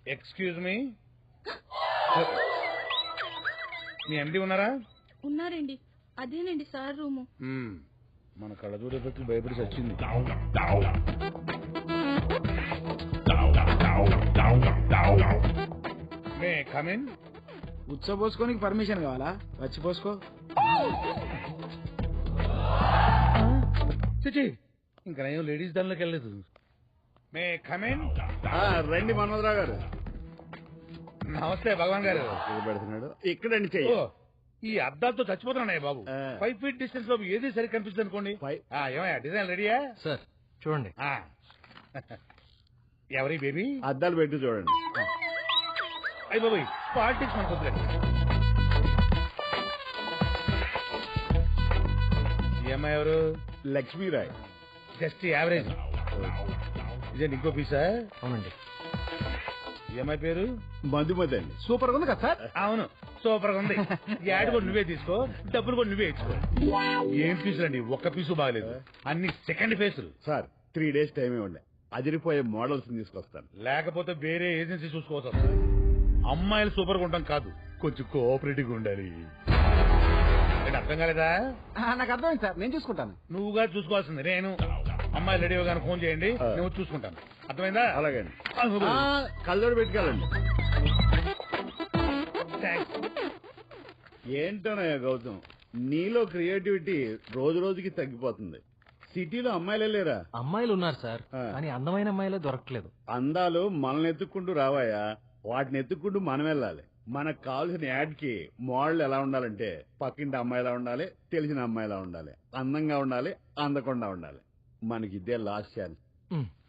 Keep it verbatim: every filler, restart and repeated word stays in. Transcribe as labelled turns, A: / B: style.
A: Excuse me, మీ ఎండి ఉన్నారా?
B: ఉన్నారండి, అదేనండి సార్ రూము.
A: మన కళ్ళజోడు ఎఫెక్ట్ భయపడి వచ్చింది. May come in.
C: ఉచ్చబోసుకోనికి పర్మిషన్ కావాలా? వచ్చి పోసుకో.
A: ఇంకా నేను లేడీస్ దానిలోకి వెళ్ళలేదు. May come in.
D: రండి మనోదరావు గారు.
A: నమస్తే భగవాన్ గారు.
D: పెడుతున్నాడు ఇక్కడండి చెయ్యి.
A: ఈ అద్దాలతో చచ్చిపోతున్నాయి బాబు. ఫైవ్ ఫీట్ డిస్టెన్స్ లో ఏది సరి కనిపిస్తుంది అనుకోండి. ఏమయ్యా డిజైన్ రెడీయా?
E: సార్ చూడండి.
A: ఎవరి బేబీ?
D: అద్దాలు పెట్టి చూడండి.
A: అయ్యి బాబు పాలిటిక్స్ మనకు వద్దులేండి. ఈ అమ్మాయి ఎవరు?
D: లక్ష్మీరాయ్.
A: Just average. ఇదేంటి ఇంకో పీసా?
E: అవునండి.
A: ఈ అమ్మాయి పేరు?
D: మధుమతి అండి.
C: సూపర్ గా ఉంది కదా సార్?
A: అవును సూపర్ గా ఉంది. యాడ్ కూడా నువ్వే తీసుకో, డబ్బులు కూడా నువ్వే ఇచ్చుకో. ఏం పీసులు అండి, ఒక్క పీసు బాగలేదు, అన్ని సెకండ్ ఫేసులు.
D: సార్ త్రీ డేస్ టైం ఇవ్వండి, అదిరిపోయే మోడల్స్ తీసుకొస్తాను.
A: లేకపోతే వేరే ఏజెన్సీ చూసుకోవచ్చు వస్తుంది. అమ్మాయిలు సూపర్ గా ఉంటాం కాదు, కొంచెం కోఆపరేటివ్ గా ఉండాలి. అర్థం కాలేదా?
C: నాకు అర్థమైంది సార్, నేను చూసుకుంటాను.
A: నువ్వుగా చూసుకోవాల్సింది నేను. అమ్మాయిలు రెడీ అవగానే ఫోన్ చేయండి, నేను చూసుకుంటాను. అర్థమైందా?
D: అలాగండి. కళ్ళోడు పెట్టుకెళ్ళండి. ఏంటోనయ్యా గౌతమ్, నీలో క్రియేటివిటీ రోజు రోజుకి తగ్గిపోతుంది. సిటీలో అమ్మాయిలే లేరా?
E: అమ్మాయిలు ఉన్నారు సార్, కానీ అందమైన అమ్మాయిలే దొరకట్లేదు.
D: అందాలు మనల్ని ఎత్తుక్కుంటూ రావాయా, వాటిని ఎత్తుక్కుంటూ మనం వెళ్ళాలి. మనకు కావాల్సిన యాడ్ కి మోడల్ ఎలా ఉండాలంటే పక్కింటి అమ్మాయిలా ఉండాలి, తెలిసిన అమ్మాయిలా ఉండాలి, అందంగా ఉండాలి, అందకుండా ఉండాలి. మనకి ఇదే లాస్ట్ ఛాన్స్.